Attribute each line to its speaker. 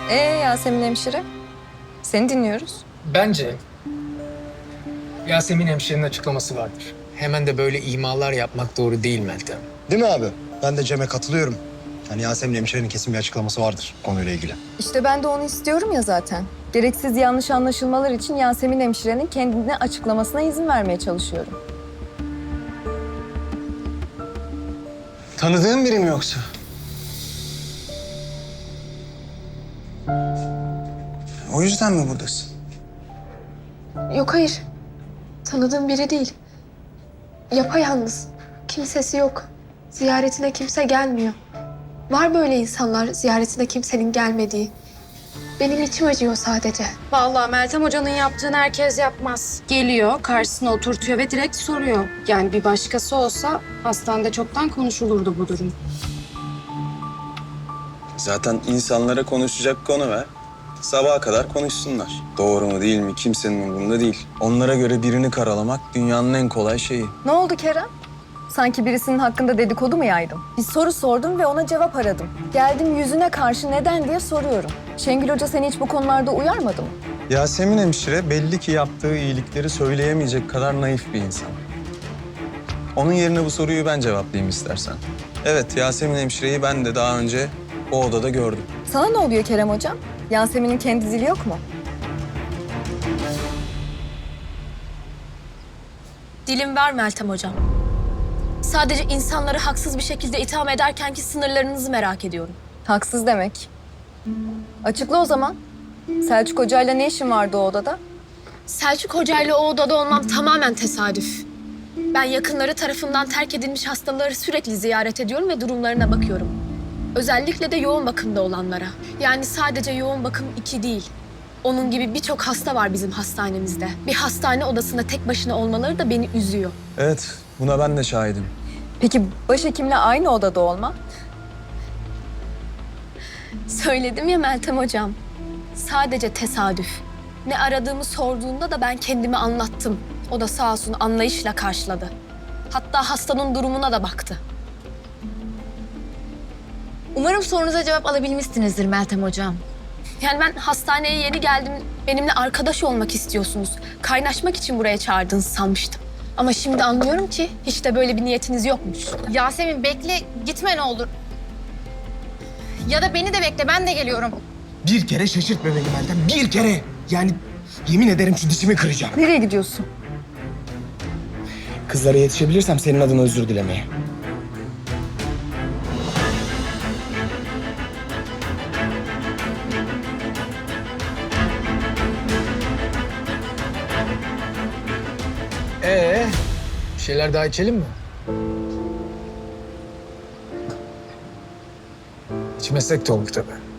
Speaker 1: Yasemin hemşire, seni dinliyoruz.
Speaker 2: Bence Yasemin hemşirenin açıklaması vardır. Hemen de böyle imalar yapmak doğru değil Meltem.
Speaker 3: Değil mi abi? Ben de Cem'e katılıyorum. Yani Yasemin hemşirenin kesin bir açıklaması vardır konuyla ilgili.
Speaker 1: İşte ben de onu istiyorum ya zaten. Gereksiz yanlış anlaşılmalar için Yasemin hemşirenin kendine açıklamasına izin vermeye çalışıyorum.
Speaker 3: Tanıdığın biri mi yoksa? O yüzden mi buradasın?
Speaker 4: Yok hayır. Tanıdığım biri değil. Yapayalnız. Kimsesi yok. Ziyaretine kimse gelmiyor. Var böyle insanlar ziyaretine kimsenin gelmediği. Benim içim acıyor sadece.
Speaker 5: Vallahi Meltem Hoca'nın yaptığını herkes yapmaz. Geliyor, karşısına oturtuyor ve direkt soruyor. Yani bir başkası olsa hastanede çoktan konuşulurdu bu durum.
Speaker 6: Zaten insanlara konuşacak konu ver. Sabaha kadar konuşsunlar. Doğru mu değil mi kimsenin umurunda değil. Onlara göre birini karalamak dünyanın en kolay şeyi.
Speaker 1: Ne oldu Kerem? Sanki birisinin hakkında dedikodu mu yaydım? Bir soru sordum ve ona cevap aradım. Geldim yüzüne karşı neden diye soruyorum. Şengül Hoca seni hiç bu konularda uyarmadı mı?
Speaker 6: Yasemin hemşire belli ki yaptığı iyilikleri söyleyemeyecek kadar naif bir insan. Onun yerine bu soruyu ben cevaplayayım istersen. Evet, Yasemin hemşireyi ben de daha önce o odada gördüm.
Speaker 1: Sana ne oluyor Kerem Hocam? Yasemin'in kendi zili yok mu?
Speaker 7: Dilim var Meltem Hocam. Sadece insanları haksız bir şekilde itham ederkenki sınırlarınızı merak ediyorum.
Speaker 1: Haksız demek. Açıkla o zaman. Selçuk Hoca'yla ne işin vardı o odada?
Speaker 7: Selçuk Hoca'yla o odada olmam tamamen tesadüf. Ben yakınları tarafından terk edilmiş hastaları sürekli ziyaret ediyorum ve durumlarına bakıyorum. Özellikle de yoğun bakımda olanlara. Yani sadece yoğun bakım 2 değil. Onun gibi birçok hasta var bizim hastanemizde. Bir hastane odasında tek başına olmaları da beni üzüyor.
Speaker 6: Evet, buna ben de şahidim.
Speaker 1: Peki başhekimle aynı odada olma?
Speaker 7: Söyledim ya Meltem Hocam. Sadece tesadüf. Ne aradığımı sorduğunda da ben kendimi anlattım. O da sağ olsun anlayışla karşıladı. Hatta hastanın durumuna da baktı.
Speaker 8: Umarım sorunuza cevap alabilmişsinizdir Meltem Hocam.
Speaker 7: Yani ben hastaneye yeni geldim. Benimle arkadaş olmak istiyorsunuz. Kaynaşmak için buraya çağırdığınızı sanmıştım. Ama şimdi anlıyorum ki hiç de böyle bir niyetiniz yokmuş.
Speaker 8: Yasemin bekle, gitme ne olur. Ya da beni de bekle, ben de geliyorum.
Speaker 3: Bir kere şaşırtma beni Meltem. Bir kere. Yani yemin ederim şu dişimi kıracağım.
Speaker 1: Nereye gidiyorsun?
Speaker 3: Kızlara yetişebilirsem senin adına özür dilemeye.
Speaker 2: Bir şeyler daha içelim mi? İçmesek de olur tabii.